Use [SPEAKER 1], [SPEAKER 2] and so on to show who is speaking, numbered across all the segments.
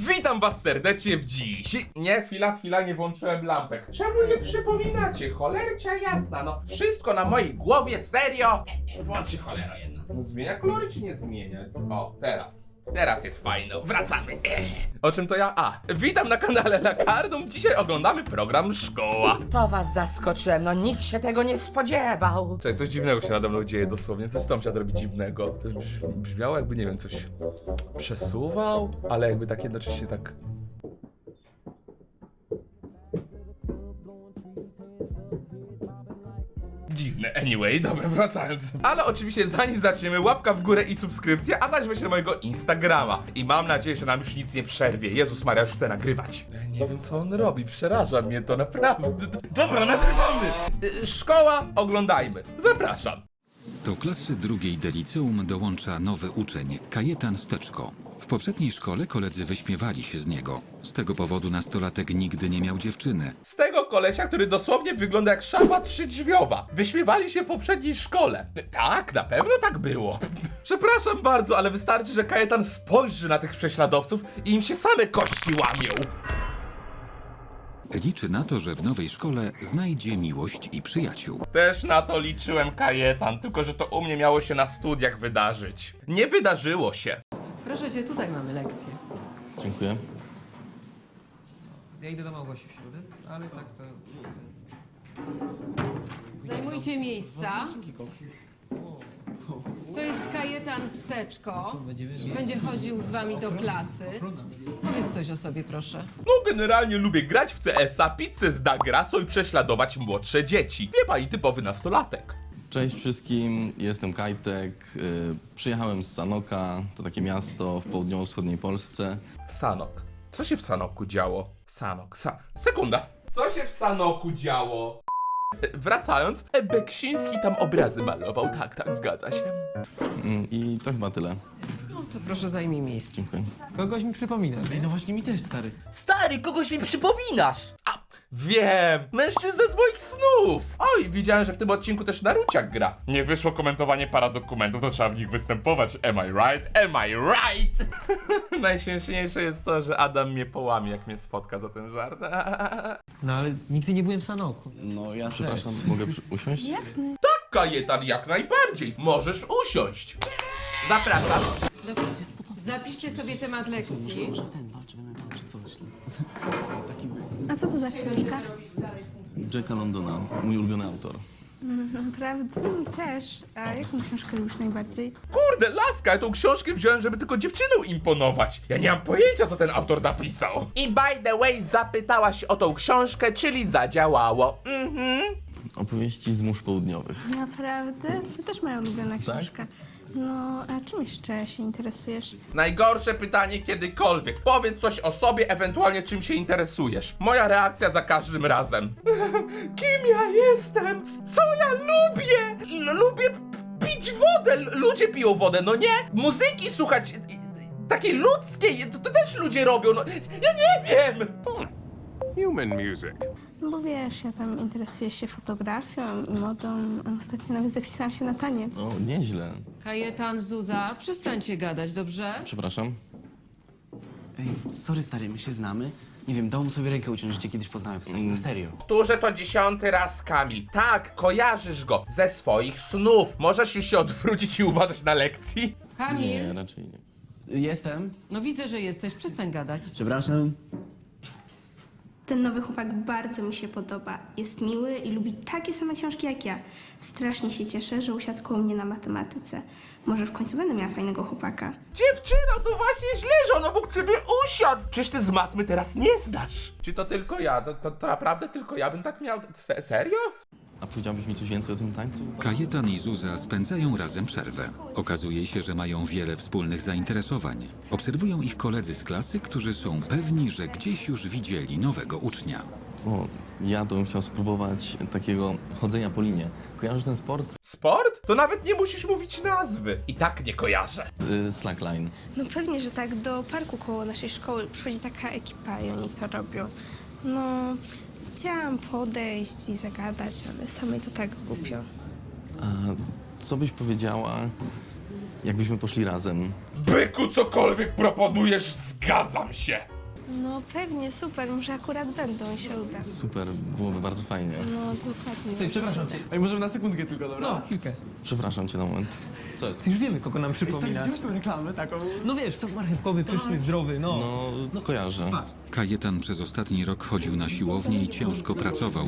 [SPEAKER 1] Witam was serdecznie w dziś. Nie, chwila, nie włączyłem lampek. Czemu nie przypominacie? Cholercia jasna, no. Wszystko na mojej głowie, serio. Włączy cholera jedna. No, zmienia kolory czy nie zmienia? O, Teraz jest fajno. Wracamy. O czym to ja? Witam na kanale Lakardum. Dzisiaj oglądamy program Szkoła.
[SPEAKER 2] To was zaskoczyłem, no nikt się tego nie spodziewał.
[SPEAKER 1] Czekaj, coś dziwnego się nade mną dzieje dosłownie. Coś sąsiad robi dziwnego. To brzmiało jakby, nie wiem, coś przesuwał, ale jakby tak jednocześnie tak... Dziwne, anyway, dobra, wracając. Ale oczywiście zanim zaczniemy, łapka w górę i subskrypcja, a dać myślę mojego Instagrama. I mam nadzieję, że nam już nic nie przerwie. Jezus Maria, już chcę nagrywać. Nie wiem, co on robi, przeraża mnie to naprawdę. Dobra, nagrywamy! Szkoła, oglądajmy. Zapraszam.
[SPEAKER 3] Do klasy drugiej de liceum dołącza nowy uczeń, Kajetan Steczko. W poprzedniej szkole koledzy wyśmiewali się z niego. Z tego powodu nastolatek nigdy nie miał dziewczyny.
[SPEAKER 1] Z tego kolesia, który dosłownie wygląda jak szafa trzydrzwiowa. Wyśmiewali się w poprzedniej szkole. Tak, na pewno tak było. Przepraszam bardzo, ale wystarczy, że Kajetan spojrzy na tych prześladowców i im się same kości łamią.
[SPEAKER 3] Liczy na to, że w nowej szkole znajdzie miłość i przyjaciół.
[SPEAKER 1] Też na to liczyłem, Kajetan, tylko że to u mnie miało się na studiach wydarzyć. Nie wydarzyło się.
[SPEAKER 4] Proszę cię, tutaj mamy lekcję.
[SPEAKER 5] Dziękuję.
[SPEAKER 6] Ja idę do Małgosi w środę, ale tak to...
[SPEAKER 4] Zajmujcie miejsca. To jest Kajetan Steczko. Będzie chodził z wami do klasy. Powiedz coś o sobie, proszę.
[SPEAKER 1] No generalnie lubię grać w CS-a, pizzę z Dagraso i prześladować młodsze dzieci. Wie pani, typowy nastolatek.
[SPEAKER 5] Cześć wszystkim, jestem Kajtek. Przyjechałem z Sanoka, to takie miasto w południowo-wschodniej Polsce.
[SPEAKER 1] Sanok. Co się w Sanoku działo? Sekunda. Co się w Sanoku działo? Wracając, Beksiński tam obrazy malował. Tak, zgadza się.
[SPEAKER 5] I to chyba tyle.
[SPEAKER 4] No to proszę zajmij miejsce.
[SPEAKER 5] Dziękuję.
[SPEAKER 6] Kogoś mi przypomina.
[SPEAKER 7] No właśnie mi też, stary.
[SPEAKER 2] Stary, kogoś mi przypominasz!
[SPEAKER 1] Wiem! Mężczyzna z moich snów! Oj, widziałem, że w tym odcinku też Naruciak gra. Nie wyszło komentowanie paradokumentów, to trzeba w nich występować. Am I right? Am I right? Najśmieszniejsze jest to, że Adam mnie połamie, jak mnie spotka za ten żart.
[SPEAKER 6] No ale nigdy nie byłem w Sanoku.
[SPEAKER 5] No ja przepraszam, mogę usiąść?
[SPEAKER 1] Kajetan, jak najbardziej. Możesz usiąść. Zapraszam.
[SPEAKER 4] Zapiszcie sobie temat lekcji.
[SPEAKER 7] Może w ten walczymy, czy coś. Taki
[SPEAKER 8] A co to za książka?
[SPEAKER 5] Jacka Londona, mój ulubiony autor.
[SPEAKER 8] Naprawdę? Mi też. A jaką książkę lubisz najbardziej?
[SPEAKER 1] Kurde, laska, ja tą książkę wziąłem, żeby tylko dziewczynom imponować. Ja nie mam pojęcia, co ten autor napisał. I by the way, zapytałaś o tą książkę, czyli zadziałało.
[SPEAKER 5] Opowieści z mórz południowych.
[SPEAKER 8] Naprawdę? To też moja ulubiona książka. No, a czym jeszcze się interesujesz?
[SPEAKER 1] Najgorsze pytanie kiedykolwiek. Powiedz coś o sobie, ewentualnie czym się interesujesz. Moja reakcja za każdym razem. Kim ja jestem? Co ja lubię? Lubię pić wodę. Ludzie piją wodę, no nie? Muzyki słuchać takiej ludzkiej, to też ludzie robią, no. Ja nie wiem.
[SPEAKER 9] Human music.
[SPEAKER 8] No bo wiesz, ja tam interesuję się fotografią i modą, a ostatnio nawet zapisałam się na taniec.
[SPEAKER 5] O, nieźle.
[SPEAKER 4] Kajetan, Zuza, przestańcie gadać, dobrze?
[SPEAKER 5] Przepraszam.
[SPEAKER 7] Ej, sorry, stary, my się znamy. Nie wiem, dałbym sobie rękę uciąć, że cię kiedyś poznałem, stary, na serio.
[SPEAKER 1] Powtórzę to 10. raz, Kamil. Tak, kojarzysz go ze swoich snów. Możesz już się odwrócić i uważać na lekcji?
[SPEAKER 4] Kamil,
[SPEAKER 5] Nie, raczej nie.
[SPEAKER 7] Jestem.
[SPEAKER 4] no widzę, że jesteś, przestań gadać.
[SPEAKER 7] Przepraszam.
[SPEAKER 8] Ten nowy chłopak bardzo mi się podoba. Jest miły i lubi takie same książki jak ja. Strasznie się cieszę, że usiadł koło mnie na matematyce. Może w końcu będę miała fajnego chłopaka.
[SPEAKER 1] Dziewczyno, to właśnie źle, że on obok ciebie usiadł. Przecież ty z matmy teraz nie zdasz. Czy to tylko ja? To naprawdę tylko ja bym tak miał? Serio?
[SPEAKER 5] A powiedziałbyś mi coś więcej o tym tańcu?
[SPEAKER 3] Kajetan i Zuza spędzają razem przerwę. Okazuje się, że mają wiele wspólnych zainteresowań. Obserwują ich koledzy z klasy, którzy są pewni, że gdzieś już widzieli nowego ucznia.
[SPEAKER 5] O, ja to bym chciał spróbować takiego chodzenia po linie. Kojarzysz ten sport?
[SPEAKER 1] Sport? To nawet nie musisz mówić nazwy. I tak nie kojarzę.
[SPEAKER 5] Slackline.
[SPEAKER 8] No pewnie, że tak. Do parku koło naszej szkoły przychodzi taka ekipa i oni co robią? No, chciałam podejść i zagadać, ale samej to tak głupio.
[SPEAKER 5] A co byś powiedziała, jakbyśmy poszli razem?
[SPEAKER 1] Byku, cokolwiek proponujesz, zgadzam się.
[SPEAKER 8] No pewnie, super, może akurat będą i się uda.
[SPEAKER 5] Super, byłoby bardzo fajnie.
[SPEAKER 8] No dokładnie.
[SPEAKER 6] Słuchaj, przepraszam cię.
[SPEAKER 7] Ej, możemy na sekundkę tylko, dobra?
[SPEAKER 6] No, chwilkę.
[SPEAKER 5] Przepraszam cię na moment. Co jest?
[SPEAKER 6] Już wiemy, kogo nam
[SPEAKER 7] Ej, stary,
[SPEAKER 6] przypominasz.
[SPEAKER 7] widziałeś tą reklamę taką?
[SPEAKER 6] No wiesz, sok marchewkowy, pyszny, zdrowy, no.
[SPEAKER 5] No, kojarzę.
[SPEAKER 3] Kajetan przez ostatni rok chodził na siłownię i ciężko pracował.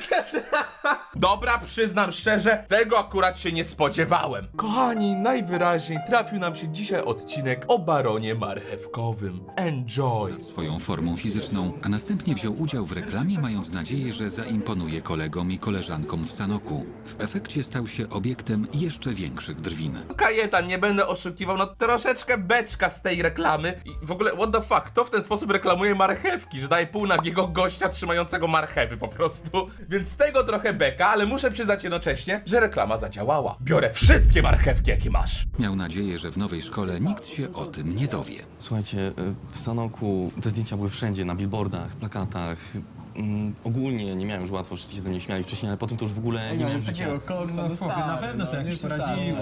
[SPEAKER 1] Dobra, przyznam szczerze, tego akurat się nie spodziewałem. Kochani, najwyraźniej trafił nam się dzisiaj odcinek o baronie marchewkowym. Enjoy!
[SPEAKER 3] Swoją formą fizyczną, a następnie wziął udział w reklamie, mając nadzieję, że zaimponuje kolegom i koleżankom w Sanoku. W efekcie stał się obiektem jeszcze większych drwin.
[SPEAKER 1] Kajetan, nie będę oszukiwał, no troszeczkę beczka z tej reklamy. I w ogóle, what the fuck, kto w ten sposób reklamuje marchewki, że daje półnagiego gościa trzymającego marchewy po prostu. Więc z tego trochę beka, ale muszę przyznać jednocześnie, że reklama zadziałała. Biorę wszystkie marchewki, jakie masz.
[SPEAKER 3] Miał nadzieję, że w nowej szkole nikt się o tym nie dowie.
[SPEAKER 5] Słuchajcie, w Sanoku te zdjęcia były wszędzie, na billboardach, plakatach. Ogólnie nie miałem już łatwo, wszyscy się ze mnie śmiali wcześniej, ale potem to już w ogóle nie miałem życia.
[SPEAKER 7] koksa
[SPEAKER 6] No, spoko, na pewno sobie jakoś poradziłeś.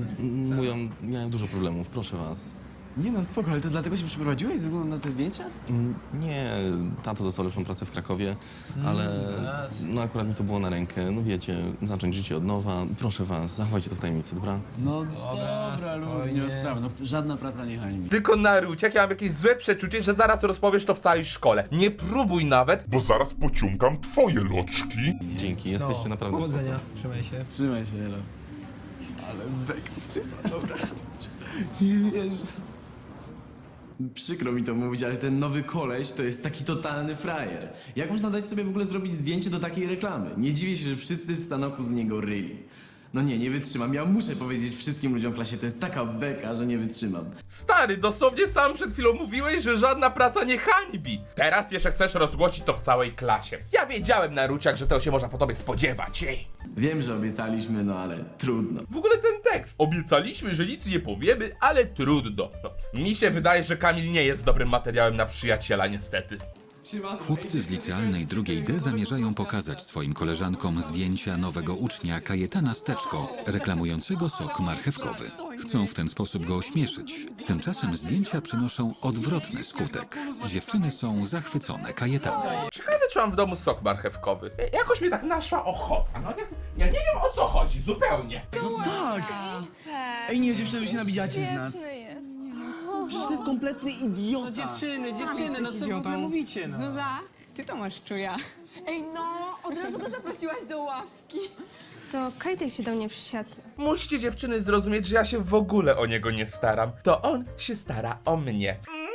[SPEAKER 5] Miałem dużo problemów, proszę was.
[SPEAKER 7] Nie no, spoko, ale to dlatego się przeprowadziłeś ze względu na te zdjęcia?
[SPEAKER 5] Nie, tato dostał lepszą pracę w Krakowie, ale no akurat mi to było na rękę. No wiecie, zacząć życie od nowa. Proszę was, zachowajcie to w tajemnicy, dobra?
[SPEAKER 7] No dobra, luz, nie ma sprawy, no żadna praca nie hańbi.
[SPEAKER 1] Tylko Naruciak, ja mam jakieś złe przeczucie, że zaraz rozpowiesz to w całej szkole. Nie próbuj nawet.
[SPEAKER 9] Bo zaraz pociągam twoje loczki.
[SPEAKER 5] Dzięki, jesteście naprawdę
[SPEAKER 6] Powodzenia, trzymaj się.
[SPEAKER 7] Trzymaj się, Elo. Ale beka z tym, dobra. Nie wierzę. Przykro mi to mówić, ale ten nowy koleś to jest taki totalny frajer. Jak można dać sobie w ogóle zrobić zdjęcie do takiej reklamy? Nie dziwię się, że wszyscy w Sanoku z niego ryli. No nie wytrzymam. Ja muszę powiedzieć wszystkim ludziom w klasie, to jest taka beka, że nie wytrzymam.
[SPEAKER 1] Stary, dosłownie sam przed chwilą mówiłeś, że żadna praca nie hańbi. Teraz jeszcze chcesz rozgłosić to w całej klasie. Ja wiedziałem, Naruciak, że tego się można po tobie spodziewać. Ej.
[SPEAKER 7] Wiem, że obiecaliśmy, no ale trudno.
[SPEAKER 1] W ogóle ten tekst. Obiecaliśmy, że nic nie powiemy, ale trudno. No, mi się wydaje, że Kamil nie jest dobrym materiałem na przyjaciela, niestety.
[SPEAKER 3] Chłopcy z licealnej drugiej D zamierzają pokazać swoim koleżankom zdjęcia nowego ucznia Kajetana Steczko, reklamującego sok marchewkowy. Chcą w ten sposób go ośmieszyć. Tymczasem zdjęcia przynoszą odwrotny skutek. Dziewczyny są zachwycone Kajetanem.
[SPEAKER 1] Ciekawe, czy mam w domu sok marchewkowy. Jakoś mnie tak naszła ochota. No ja nie wiem, o co chodzi, zupełnie.
[SPEAKER 7] Tak! Ej, nie, dziewczyny, wy się nabijacie z nas. Przecież to jest kompletny idiota.
[SPEAKER 6] No dziewczyny, no co w ogóle mówicie, no?
[SPEAKER 10] Zuza, ty to masz czuja. Ej, no, od razu go zaprosiłaś do ławki.
[SPEAKER 8] To Kajtek się do mnie przysiadł.
[SPEAKER 1] Musicie dziewczyny zrozumieć, że ja się w ogóle o niego nie staram. To on się stara o mnie.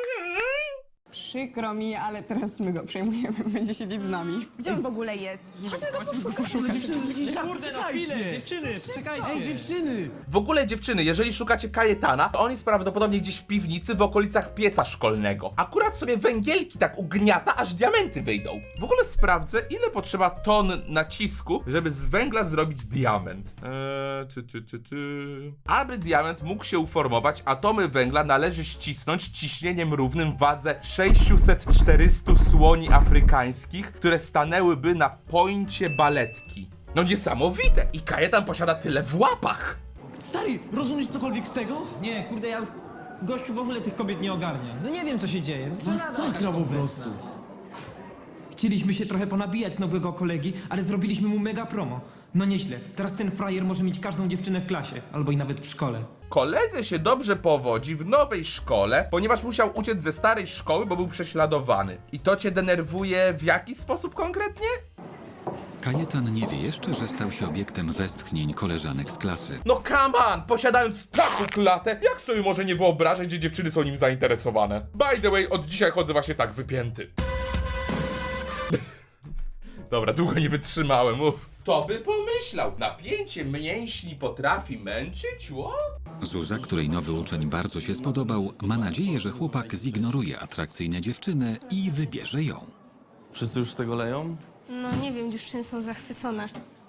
[SPEAKER 10] Przykro mi, ale teraz my go przejmujemy. Będzie siedzieć z nami. Gdzie on w ogóle jest? Chodźmy go poszukać.
[SPEAKER 6] Kurde, no chwilę, dziewczyny, czekajcie.
[SPEAKER 7] Ej, dziewczyny!
[SPEAKER 1] W ogóle dziewczyny, jeżeli szukacie Kajetana, to on jest prawdopodobnie gdzieś w piwnicy w okolicach pieca szkolnego. Akurat sobie węgielki tak ugniata, aż diamenty wyjdą. W ogóle sprawdzę, ile potrzeba ton nacisku, żeby z węgla zrobić diament. Aby diament mógł się uformować, atomy węgla należy ścisnąć ciśnieniem równym wadze 600-400 słoni afrykańskich, które stanęłyby na pońcie baletki. No niesamowite! I Kajetan posiada tyle w łapach!
[SPEAKER 7] Stary, rozumiesz cokolwiek z tego?
[SPEAKER 6] Nie, kurde, ja już... Gościu w ogóle tych kobiet nie ogarnia. No nie wiem, co się dzieje. No,
[SPEAKER 7] Masakra po prostu.
[SPEAKER 11] Chcieliśmy się trochę ponabijać z nowego kolegi, ale zrobiliśmy mu mega promo. No nieźle, teraz ten frajer może mieć każdą dziewczynę w klasie, albo i nawet w szkole.
[SPEAKER 1] Koledze się dobrze powodzi w nowej szkole, ponieważ musiał uciec ze starej szkoły, bo był prześladowany. I to cię denerwuje w jaki sposób konkretnie?
[SPEAKER 3] Kajetan nie wie jeszcze, że stał się obiektem westchnień koleżanek z klasy.
[SPEAKER 1] No come on! Posiadając taką klatę, jak sobie może nie wyobrażać, że dziewczyny są nim zainteresowane? By the way, od dzisiaj chodzę właśnie tak wypięty. Dobra, długo nie wytrzymałem, mów. Kto by pomyślał? Napięcie mięśni potrafi męczyć,
[SPEAKER 3] Zuza, której nowy uczeń bardzo się spodobał, ma nadzieję, że chłopak zignoruje atrakcyjne dziewczyny i wybierze ją.
[SPEAKER 5] Wszyscy już z tego leją?
[SPEAKER 8] No nie wiem, dziewczyny są zachwycone.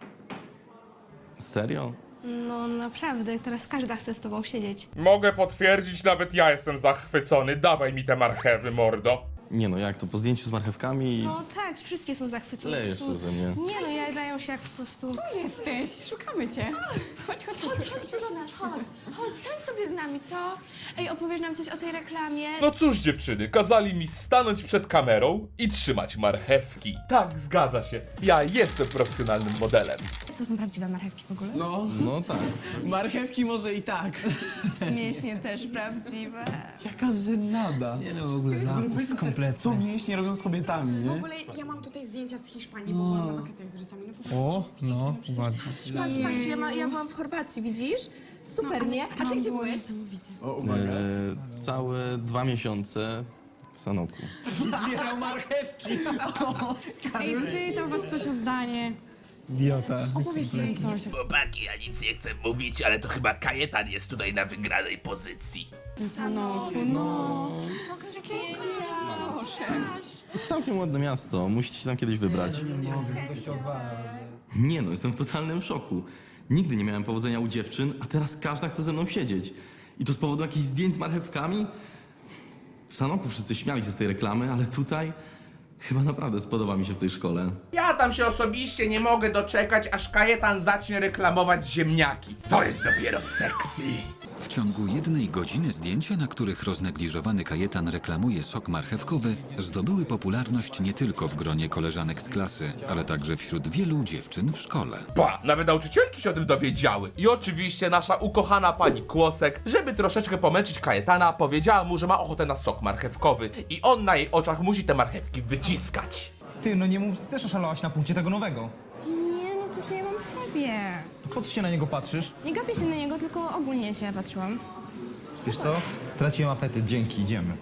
[SPEAKER 5] Serio?
[SPEAKER 8] No naprawdę, teraz każda chce z tobą siedzieć.
[SPEAKER 1] Mogę potwierdzić, nawet ja jestem zachwycony. Dawaj mi te marchewy, mordo.
[SPEAKER 5] Nie no, jak to, po zdjęciu z marchewkami
[SPEAKER 8] No tak, wszystkie są zachwycone.
[SPEAKER 5] lejesz się ze mnie.
[SPEAKER 8] Nie no, jadają się jak po prostu...
[SPEAKER 10] Tu jesteś, szukamy cię. Chodź
[SPEAKER 12] Chodź do nas, chodź, stań sobie z nami, co? Ej, opowiesz nam coś o tej reklamie?
[SPEAKER 1] No cóż dziewczyny, kazali mi stanąć przed kamerą i trzymać marchewki. Tak, zgadza się. Ja jestem profesjonalnym modelem.
[SPEAKER 12] To są prawdziwe marchewki w ogóle?
[SPEAKER 5] No tak.
[SPEAKER 7] Marchewki może i tak.
[SPEAKER 12] Mięśnie też prawdziwe.
[SPEAKER 7] Jaka żenada.
[SPEAKER 11] Nie no, w ogóle lapus
[SPEAKER 7] Co
[SPEAKER 11] kompletny.
[SPEAKER 7] mięśnie robią z kobietami,
[SPEAKER 10] W
[SPEAKER 7] nie?
[SPEAKER 10] ogóle ja mam tutaj zdjęcia z Hiszpanii, bo byłam na wakacjach z rodzicami. No,
[SPEAKER 11] O, no, ładnie.
[SPEAKER 12] Patrz, ja byłam w Chorwacji, widzisz? Super, nie? A ty gdzie byłeś?
[SPEAKER 7] O, uwaga.
[SPEAKER 5] Całe 2 miesiące w Sanoku.
[SPEAKER 7] Zbierał marchewki.
[SPEAKER 10] Ej, pytał was ktoś o zdanie.
[SPEAKER 11] Idiota.
[SPEAKER 10] Opowiedz jej coś.
[SPEAKER 1] Chłopaki, ja nic nie chcę mówić, ale to chyba Kajetan jest tutaj na wygranej pozycji.
[SPEAKER 10] No.
[SPEAKER 5] Całkiem ładne miasto, musicie się tam kiedyś wybrać. Nie no, jestem w totalnym szoku. Nigdy nie miałem powodzenia u dziewczyn, a teraz każda chce ze mną siedzieć. I to z powodu jakichś zdjęć z marchewkami? W Sanoku wszyscy śmiali się z tej reklamy, ale tutaj chyba naprawdę spodoba mi się w tej szkole.
[SPEAKER 1] Ja tam się osobiście nie mogę doczekać, aż Kajetan zacznie reklamować ziemniaki. To jest dopiero sexy.
[SPEAKER 3] W ciągu 1 godziny zdjęcia, na których roznegliżowany Kajetan reklamuje sok marchewkowy, zdobyły popularność nie tylko w gronie koleżanek z klasy, ale także wśród wielu dziewczyn w szkole.
[SPEAKER 1] Pa, nawet nauczycielki się o tym dowiedziały. I oczywiście nasza ukochana pani Kłosek, żeby troszeczkę pomęczyć Kajetana, powiedziała mu, że ma ochotę na sok marchewkowy i on na jej oczach musi te marchewki wyciskać.
[SPEAKER 11] Ty, no nie mów, ty też oszalałaś na punkcie tego nowego.
[SPEAKER 12] Nie, no to ja mam ciebie.
[SPEAKER 11] Po co się na niego patrzysz?
[SPEAKER 12] Nie gapię się na niego, tylko ogólnie się patrzyłam.
[SPEAKER 11] Wiesz co? Straciłem apetyt, dzięki, idziemy.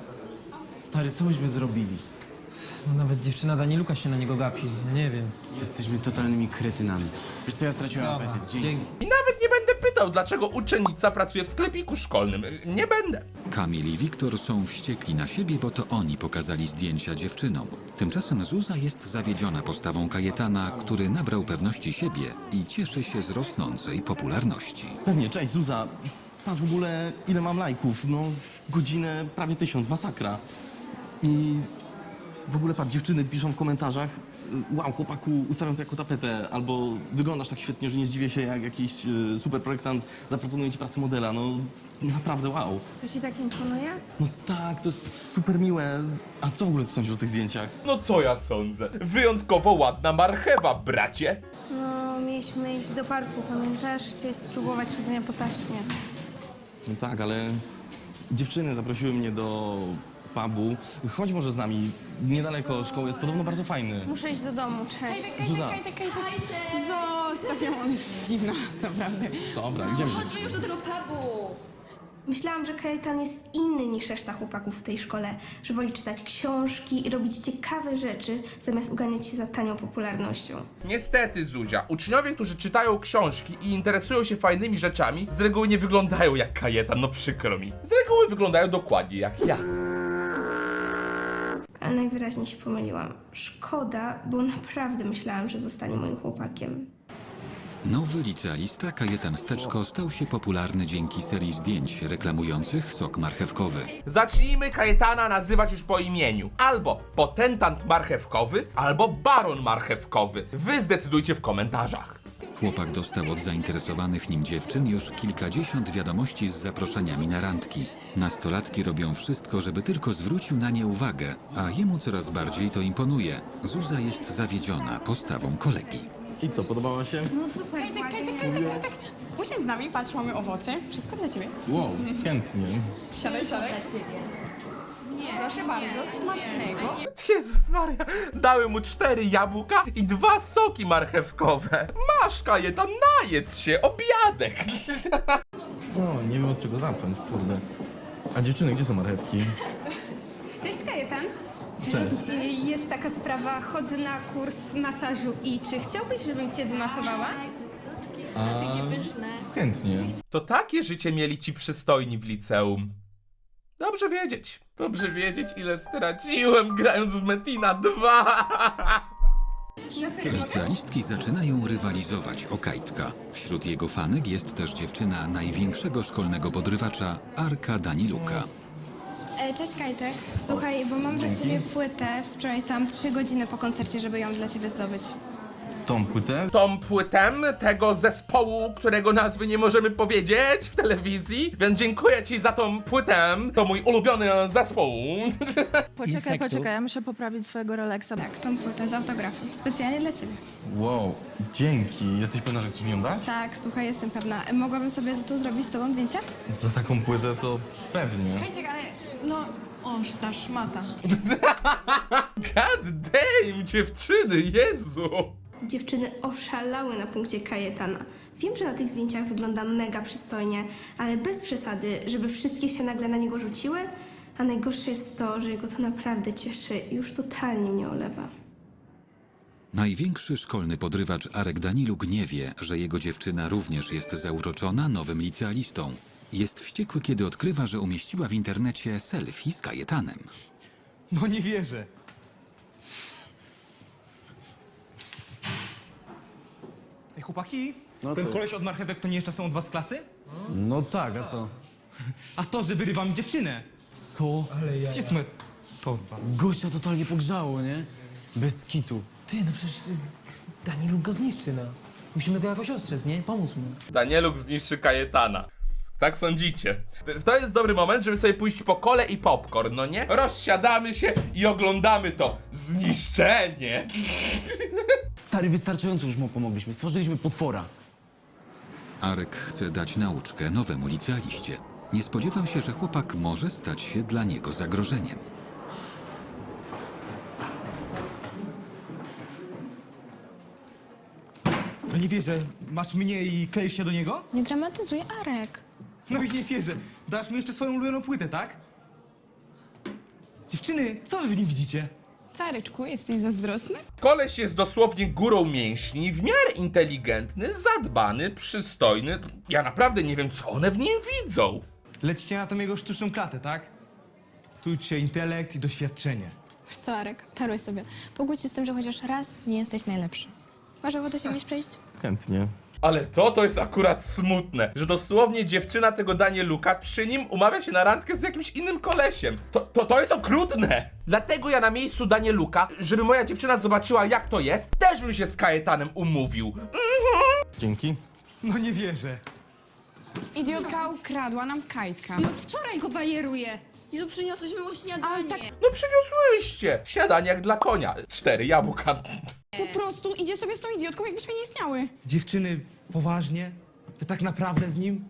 [SPEAKER 7] Stary, co myśmy zrobili?
[SPEAKER 11] No nawet dziewczyna Daniluka się na niego gapi, nie wiem.
[SPEAKER 7] Jesteśmy totalnymi kretynami. Wiesz co, ja straciłem
[SPEAKER 11] Dobra,
[SPEAKER 7] apetyt. Dzięki.
[SPEAKER 1] I nawet nie będę pytał, dlaczego uczennica pracuje w sklepiku szkolnym. Nie będę.
[SPEAKER 3] Kamil i Wiktor są wściekli na siebie, bo to oni pokazali zdjęcia dziewczynom. Tymczasem Zuza jest zawiedziona postawą Kajetana, który nabrał pewności siebie i cieszy się z rosnącej popularności.
[SPEAKER 5] Pewnie, cześć Zuza. Patrz w ogóle ile mam lajków, no godzinę prawie 1000, masakra. I w ogóle patrz, dziewczyny piszą w komentarzach: wow, chłopaku, ustawiam to jako tapetę, albo wyglądasz tak świetnie, że nie zdziwię się, jak jakiś super projektant zaproponuje ci pracę modela, no naprawdę wow.
[SPEAKER 8] Co ci tak imponuje?
[SPEAKER 5] No tak, to jest super miłe. A co w ogóle ty sądzisz o tych zdjęciach?
[SPEAKER 1] No co ja sądzę? Wyjątkowo ładna marchewa, bracie.
[SPEAKER 8] No, mieliśmy iść do parku, pamiętasz? Chciałeś spróbować chodzenia po taśmie.
[SPEAKER 5] No tak, ale dziewczyny zaprosiły mnie do pubu. Chodź może z nami, niedaleko szkoły, jest podobno bardzo fajny.
[SPEAKER 8] Muszę iść do domu, cześć.
[SPEAKER 5] Zuza,
[SPEAKER 10] Zostaw ją, on jest dziwna, naprawdę.
[SPEAKER 5] dobra, idziemy.
[SPEAKER 12] Chodźmy już do tego pubu.
[SPEAKER 8] Myślałam, że Kajetan jest inny niż reszta chłopaków w tej szkole, że woli czytać książki i robić ciekawe rzeczy, zamiast uganiać się za tanią popularnością.
[SPEAKER 1] Niestety, Zuzia, uczniowie, którzy czytają książki i interesują się fajnymi rzeczami, z reguły nie wyglądają jak Kajetan, no przykro mi. Z reguły wyglądają dokładnie jak ja.
[SPEAKER 8] Ale najwyraźniej się pomyliłam. Szkoda, bo naprawdę myślałam, że zostanie moim chłopakiem.
[SPEAKER 3] Nowy licealista Kajetan Steczko stał się popularny dzięki serii zdjęć reklamujących sok marchewkowy.
[SPEAKER 1] Zacznijmy Kajetana nazywać już po imieniu. Albo potentant marchewkowy, albo baron marchewkowy. Wy zdecydujcie w komentarzach.
[SPEAKER 3] Chłopak dostał od zainteresowanych nim dziewczyn już kilkadziesiąt wiadomości z zaproszeniami na randki. Nastolatki robią wszystko, żeby tylko zwrócił na nie uwagę, a jemu coraz bardziej to imponuje. Zuza jest zawiedziona postawą kolegi.
[SPEAKER 5] I co, podobała się?
[SPEAKER 12] No super,
[SPEAKER 10] Kajtek. Usiądź z nami, patrz, mamy owoce. Wszystko dla ciebie.
[SPEAKER 5] Wow, chętnie.
[SPEAKER 10] Siadaj. Proszę bardzo, smacznego.
[SPEAKER 1] Jezus Maria, dały mu 4 jabłka i 2 soki marchewkowe. Masz, Kajetan, najedz się, obiadek.
[SPEAKER 5] No, nie wiem od czego zacząć, kurde. A dziewczyny, gdzie są marchewki?
[SPEAKER 12] Cześć, Kajetan.
[SPEAKER 5] Cześć.
[SPEAKER 12] Jest taka sprawa, chodzę na kurs masażu i czy chciałbyś, żebym cię wymasowała?
[SPEAKER 5] A... chętnie.
[SPEAKER 1] To takie życie mieli ci przystojni w liceum. Dobrze wiedzieć, ile straciłem grając w Metina 2.
[SPEAKER 3] Licealistki zaczynają rywalizować o Kajtka. Wśród jego fanek jest też dziewczyna największego szkolnego podrywacza, Arka Daniluka.
[SPEAKER 8] Cześć Kajtek. Słuchaj, bo mam dla ciebie płytę. Wczoraj stałam 3 godziny po koncercie, żeby ją dla ciebie zdobyć.
[SPEAKER 5] Tą płytę?
[SPEAKER 1] Tą płytę tego zespołu, którego nazwy nie możemy powiedzieć w telewizji, więc dziękuję ci za tą płytę. To mój ulubiony zespół.
[SPEAKER 10] Poczekaj, ja muszę poprawić swojego Rolexa.
[SPEAKER 8] Tak, tą płytę z autografem. Specjalnie dla ciebie.
[SPEAKER 5] Wow, dzięki. Jesteś pewna, że chcesz mi ją dać?
[SPEAKER 8] Tak, słuchaj, jestem pewna. Mogłabym sobie za to zrobić z tobą zdjęcia?
[SPEAKER 5] Za taką płytę to pewnie.
[SPEAKER 10] Kajtek, ale no... Oż ta szmata.
[SPEAKER 1] God damn, dziewczyny, Jezu.
[SPEAKER 8] Dziewczyny oszalały na punkcie Kajetana. Wiem, że na tych zdjęciach wygląda mega przystojnie, ale bez przesady, żeby wszystkie się nagle na niego rzuciły. A najgorsze jest to, że jego to naprawdę cieszy i już totalnie mnie olewa.
[SPEAKER 3] Największy szkolny podrywacz Arek Daniluk nie wie, że jego dziewczyna również jest zauroczona nowym licealistą. Jest wściekły, kiedy odkrywa, że umieściła w internecie selfie z Kajetanem.
[SPEAKER 11] No nie wierzę. Ej, chłopaki, ten koleś od marchewek to nie jeszcze są od was z klasy?
[SPEAKER 7] No tak, a co?
[SPEAKER 11] A to, że wyrywam dziewczynę.
[SPEAKER 7] Co?
[SPEAKER 11] Gdzie jest moja torba?
[SPEAKER 7] Gościa totalnie pogrzało, nie? Bez kitu.
[SPEAKER 6] Ty, no przecież Daniluk go zniszczy, no. Musimy go jakoś ostrzec, nie? Pomóc mu.
[SPEAKER 1] Danieluk zniszczy Kajetana. Tak sądzicie? To jest dobry moment, żeby sobie pójść po kole i popcorn, no nie? Rozsiadamy się i oglądamy to zniszczenie.
[SPEAKER 7] Stary, wystarczająco już mu pomogliśmy. Stworzyliśmy potwora.
[SPEAKER 3] Arek chce dać nauczkę nowemu licealiście. Nie spodziewał się, że chłopak może stać się dla niego zagrożeniem.
[SPEAKER 11] No nie wierzę. Masz mnie i kleisz się do niego?
[SPEAKER 12] Nie dramatyzuj, Arek.
[SPEAKER 11] No i nie wierzę. Dasz mi jeszcze swoją ulubioną płytę, tak? Dziewczyny, co wy w nim widzicie?
[SPEAKER 10] Czareczku, jesteś zazdrosny?
[SPEAKER 1] Koleś jest dosłownie górą mięśni, w miarę inteligentny, zadbany, przystojny. Ja naprawdę nie wiem, co one w nim widzą.
[SPEAKER 11] Lecicie na tą jego sztuczną klatę, tak? Tu cię intelekt i doświadczenie.
[SPEAKER 12] Wiesz co, Arek, taruj sobie. Pogódź się z tym, że chociaż raz nie jesteś najlepszy. Masz ochotę się gdzieś przejść?
[SPEAKER 5] Chętnie.
[SPEAKER 1] Ale to jest akurat smutne, że dosłownie dziewczyna tego Danieluka przy nim umawia się na randkę z jakimś innym kolesiem. To jest okrutne. Dlatego ja na miejscu Danieluka, żeby moja dziewczyna zobaczyła jak to jest, też bym się z Kajetanem umówił.
[SPEAKER 5] Dzięki.
[SPEAKER 11] No nie wierzę.
[SPEAKER 10] Idiotka ukradła nam Kajtka.
[SPEAKER 4] No od wczoraj go bajeruje. Jezu, przyniosłeś mu śniadanie.
[SPEAKER 1] No przyniosłyście. Śniadanie jak dla konia. 4 jabłka.
[SPEAKER 10] Po prostu idzie sobie z tą idiotką, jakbyśmy nie istniały.
[SPEAKER 11] Dziewczyny, poważnie? Wy tak naprawdę z nim?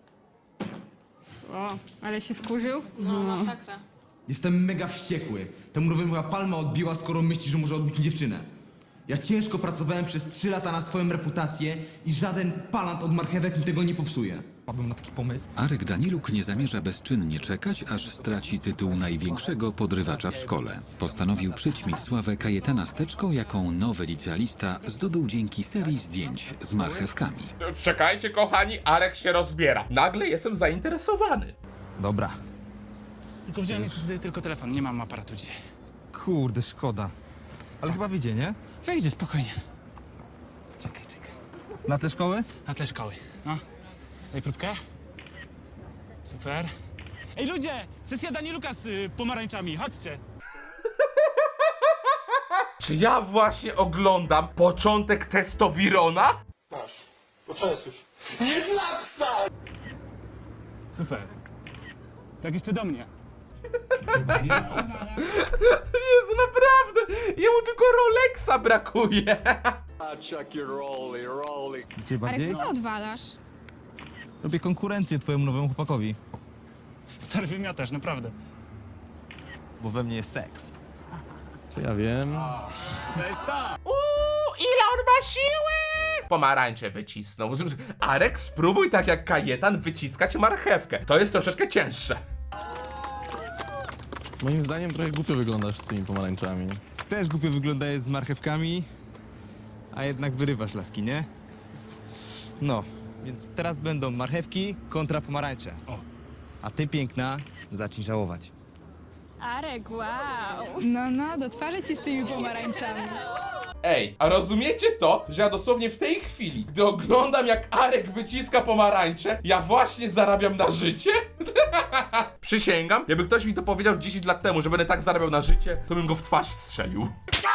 [SPEAKER 4] O, ale się wkurzył.
[SPEAKER 7] Jestem mega wściekły. Temu nowemu chyba palma odbiła, skoro myśli, że może odbić mi dziewczynę. Ja ciężko pracowałem przez 3 lata na swoją reputację i żaden palant od marchewek mi tego nie popsuje.
[SPEAKER 11] Padłem na taki pomysł.
[SPEAKER 3] Arek Daniluk nie zamierza bezczynnie czekać, aż straci tytuł największego podrywacza w szkole. Postanowił przyćmić sławę Kajetana Steczko, jaką nowy licealista zdobył dzięki serii zdjęć z marchewkami.
[SPEAKER 1] Czekajcie kochani, Arek się rozbiera. Nagle jestem zainteresowany.
[SPEAKER 11] Dobra.
[SPEAKER 6] Tylko wziąłem niestety tylko telefon, nie mam aparatu dzisiaj.
[SPEAKER 11] Kurde, szkoda. Ale chyba wyjdzie, nie?
[SPEAKER 6] Wejdzie, spokojnie. Czekaj.
[SPEAKER 11] Na tle szkoły?
[SPEAKER 6] Na tle szkoły, no. Daj próbkę. Super. Ej ludzie! Sesja Danieluka z pomarańczami, chodźcie.
[SPEAKER 1] Czy ja właśnie oglądam początek Testowirona?
[SPEAKER 6] Super. Tak jeszcze do mnie.
[SPEAKER 1] Jezu, naprawdę! Jemu tylko Rolexa brakuje.
[SPEAKER 11] Dzisiaj
[SPEAKER 10] Arek,
[SPEAKER 11] bardziej?
[SPEAKER 10] co ty odwalasz?
[SPEAKER 11] Robię konkurencję twojemu nowemu chłopakowi,
[SPEAKER 6] Stary wymiatasz, naprawdę.
[SPEAKER 11] bo we mnie jest seks. Czy ja wiem?
[SPEAKER 6] To jest ta!
[SPEAKER 1] Ile on ma siły! Pomarańcze wycisnął. Arek, spróbuj tak jak Kajetan wyciskać marchewkę. To jest troszeczkę cięższe.
[SPEAKER 5] Moim zdaniem trochę głupio wyglądasz z tymi pomarańczami.
[SPEAKER 11] Też głupio wyglądajesz z marchewkami, a jednak wyrywasz laski, nie? No, więc teraz będą marchewki kontra pomarańcze.
[SPEAKER 6] O.
[SPEAKER 11] A ty, piękna, zacznij żałować.
[SPEAKER 10] Arek, wow. No, do twarzy ci z tymi pomarańczami.
[SPEAKER 1] Ej, a rozumiecie to, że ja dosłownie w tej chwili, gdy oglądam jak Arek wyciska pomarańcze, ja właśnie zarabiam na życie? Przysięgam, jakby ktoś mi to powiedział 10 lat temu, że będę tak zarabiał na życie, to bym go w twarz strzelił.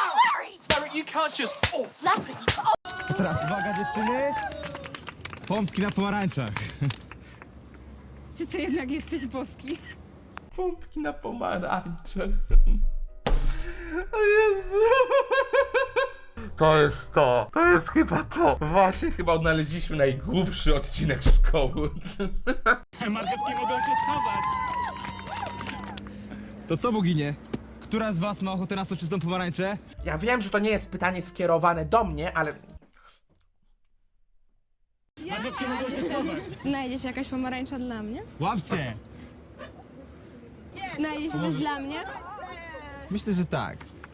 [SPEAKER 11] A teraz uwaga dziewczyny! Pompki na pomarańczach.
[SPEAKER 10] Ty to jednak jesteś boski.
[SPEAKER 1] Pompki na pomarańcze. O Jezu. To jest to. To jest chyba to. Właśnie chyba odnaleźliśmy najgłupszy odcinek szkoły.
[SPEAKER 6] Marchewki mogą się schować.
[SPEAKER 11] To co, boginie? Która z was ma ochotę na soczystą pomarańczę?
[SPEAKER 2] Ja wiem, że to nie jest pytanie skierowane do mnie, ale...
[SPEAKER 6] Marchewki mogą się schować.
[SPEAKER 12] Znajdzie się jakaś pomarańcza dla mnie?
[SPEAKER 6] Łapcie.
[SPEAKER 12] Znajdzie się coś dla mnie?
[SPEAKER 11] Myślę, że tak.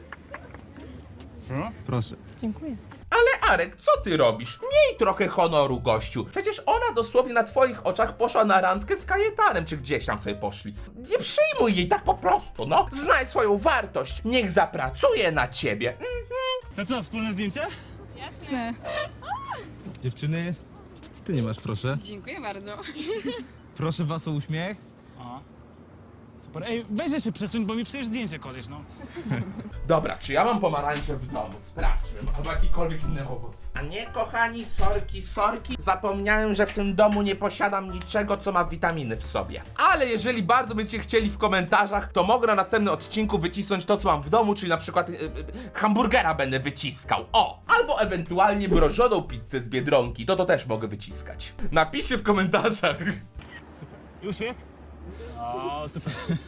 [SPEAKER 11] Proszę.
[SPEAKER 12] Dziękuję.
[SPEAKER 1] Ale Arek, co ty robisz? Miej trochę honoru, gościu. Przecież ona dosłownie na twoich oczach poszła na randkę z Kajetanem, czy gdzieś tam sobie poszli. Nie przyjmuj jej tak po prostu, no. Znaj swoją wartość. Niech zapracuje na ciebie.
[SPEAKER 6] To co, wspólne zdjęcie?
[SPEAKER 10] Jasne.
[SPEAKER 11] Dziewczyny, ty nie masz, proszę.
[SPEAKER 10] Dziękuję bardzo.
[SPEAKER 11] Proszę was o uśmiech.
[SPEAKER 6] Super. Ej, weź się przesuń, bo mi psujesz zdjęcie, koleś, no.
[SPEAKER 1] Dobra, czy ja mam pomarańcze w domu? Sprawdźmy. Albo jakikolwiek inny owoc.
[SPEAKER 2] A nie, kochani, sorki. Zapomniałem, że w tym domu nie posiadam niczego, co ma witaminy w sobie.
[SPEAKER 1] Ale jeżeli bardzo będziecie chcieli w komentarzach, to mogę na następnym odcinku wycisnąć to, co mam w domu, czyli na przykład hamburgera będę wyciskał. O! Albo ewentualnie mrożoną pizzę z Biedronki. To też mogę wyciskać. Napiszcie w komentarzach.
[SPEAKER 6] Super. I uśmiech? O, super.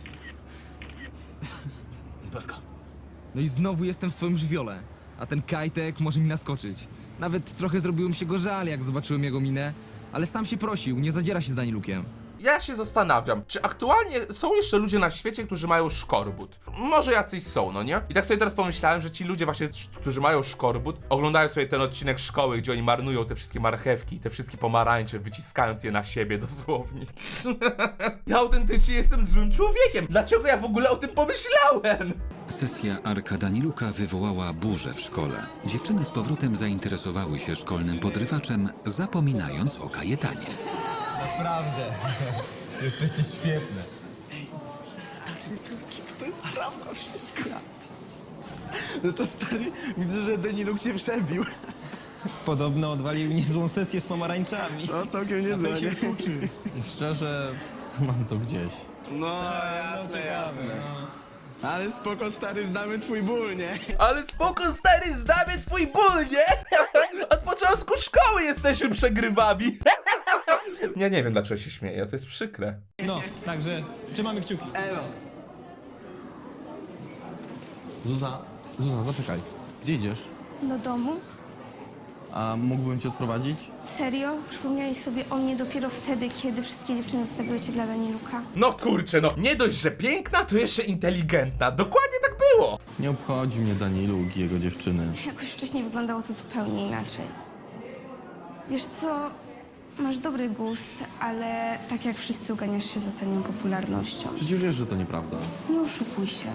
[SPEAKER 6] Z bosko.
[SPEAKER 11] No i znowu jestem w swoim żywiole. A ten Kajtek może mi naskoczyć. Nawet trochę zrobiło mi się go żal, jak zobaczyłem jego minę. Ale sam się prosił, nie zadziera się z Danilukiem.
[SPEAKER 1] Ja się zastanawiam, czy aktualnie są jeszcze ludzie na świecie, którzy mają szkorbut? Może jacyś są, no nie? I tak sobie teraz pomyślałem, że ci ludzie właśnie, którzy mają szkorbut, oglądają sobie ten odcinek szkoły, gdzie oni marnują te wszystkie marchewki, te wszystkie pomarańcze, wyciskając je na siebie dosłownie. Ja autentycznie jestem złym człowiekiem. Dlaczego ja w ogóle o tym pomyślałem?
[SPEAKER 3] Sesja Arka Daniluka wywołała burzę w szkole. Dziewczyny z powrotem zainteresowały się szkolnym podrywaczem, zapominając o Kajetanie.
[SPEAKER 11] Naprawdę. Jesteście świetne.
[SPEAKER 5] No to stary, widzę, że Daniluk cię przebił.
[SPEAKER 11] Podobno odwalił niezłą sesję z pomarańczami.
[SPEAKER 5] No całkiem niezłe, nie? Szczerze, to mam to gdzieś. No, jasne. Ale spoko, stary, znamy twój ból, nie?
[SPEAKER 1] Ale spoko, stary, znamy twój ból, nie? Od początku szkoły jesteśmy przegrywami. Ja nie wiem, dlaczego się śmieję, to jest przykre.
[SPEAKER 11] No, także trzymamy kciuki.
[SPEAKER 5] Elo. Zuza, zaczekaj. Gdzie idziesz?
[SPEAKER 8] Do domu?
[SPEAKER 5] A mógłbym cię odprowadzić?
[SPEAKER 8] Serio? Przypomniałeś sobie o mnie dopiero wtedy, kiedy wszystkie dziewczyny zostawiły cię dla Daniluka?
[SPEAKER 1] No kurczę, no nie dość, że piękna, to jeszcze inteligentna. Dokładnie tak było.
[SPEAKER 5] Nie obchodzi mnie Daniluk i jego dziewczyny.
[SPEAKER 8] Jakoś wcześniej wyglądało to zupełnie inaczej. Wiesz co? Masz dobry gust, ale tak jak wszyscy uganiasz się za tanią popularnością.
[SPEAKER 5] Przecież wiesz, że to nieprawda.
[SPEAKER 8] Nie oszukuj się.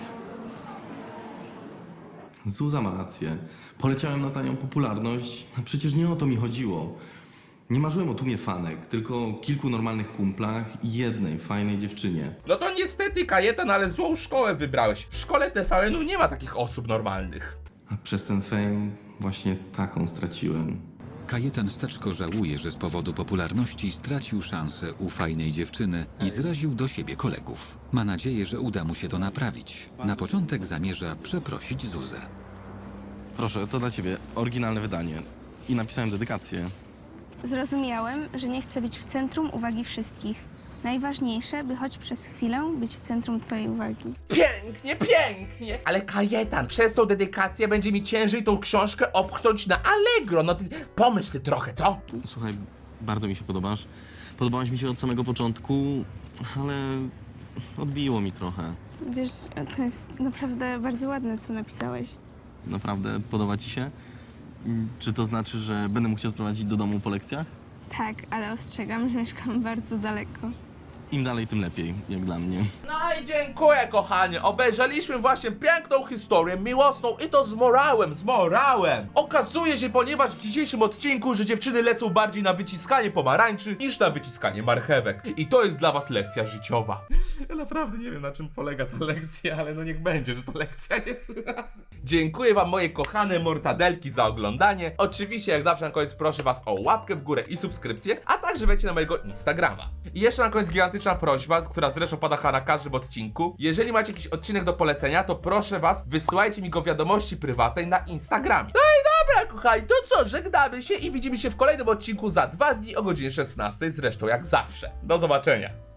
[SPEAKER 5] Zuza ma rację. Poleciałem na tanią popularność, a przecież nie o to mi chodziło. Nie marzyłem o tłumie fanek, tylko o kilku normalnych kumplach i jednej fajnej dziewczynie.
[SPEAKER 1] No to niestety, Kajetan, ale złą szkołę wybrałeś. W szkole TVN-u nie ma takich osób normalnych.
[SPEAKER 5] A przez ten fame właśnie taką straciłem.
[SPEAKER 3] Kajetan Steczko żałuje, że z powodu popularności stracił szansę u fajnej dziewczyny i zraził do siebie kolegów. Ma nadzieję, że uda mu się to naprawić. Na początek zamierza przeprosić Zuzę.
[SPEAKER 5] Proszę, to dla ciebie oryginalne wydanie. I napisałem dedykację.
[SPEAKER 8] Zrozumiałem, że nie chcę być w centrum uwagi wszystkich. Najważniejsze, by choć przez chwilę być w centrum twojej uwagi.
[SPEAKER 1] Pięknie, pięknie. Ale Kajetan, przez tą dedykację będzie mi ciężej tą książkę opchnąć na Allegro. No ty pomyśl ty trochę, co?
[SPEAKER 5] Słuchaj, bardzo mi się podobasz. Podobałaś mi się od samego początku, ale odbiło mi trochę.
[SPEAKER 8] Wiesz, to jest naprawdę bardzo ładne, co napisałeś.
[SPEAKER 5] Naprawdę podoba ci się? Czy to znaczy, że będę mógł cię odprowadzić do domu po lekcjach?
[SPEAKER 8] Tak, ale ostrzegam, że mieszkam bardzo daleko.
[SPEAKER 5] im dalej, tym lepiej, jak dla mnie.
[SPEAKER 1] No i dziękuję, kochanie. Obejrzeliśmy właśnie piękną historię miłosną i to z morałem. Okazuje się, ponieważ w dzisiejszym odcinku, że dziewczyny lecą bardziej na wyciskanie pomarańczy niż na wyciskanie marchewek. I to jest dla was lekcja życiowa. Ja naprawdę nie wiem, na czym polega ta lekcja, ale no niech będzie, że to lekcja jest. Dziękuję wam, moje kochane mortadelki, za oglądanie. Oczywiście, jak zawsze na koniec proszę was o łapkę w górę i subskrypcję, a także wejdźcie na mojego Instagrama. I jeszcze na koniec gigantyczna prośba, która zresztą pada chyba na każdym odcinku. Jeżeli macie jakiś odcinek do polecenia, to proszę was, wysyłajcie mi go w wiadomości prywatnej na Instagramie. No i dobra, kochani, to co, żegnamy się i widzimy się w kolejnym odcinku za 2 dni o godzinie 16, zresztą jak zawsze. Do zobaczenia.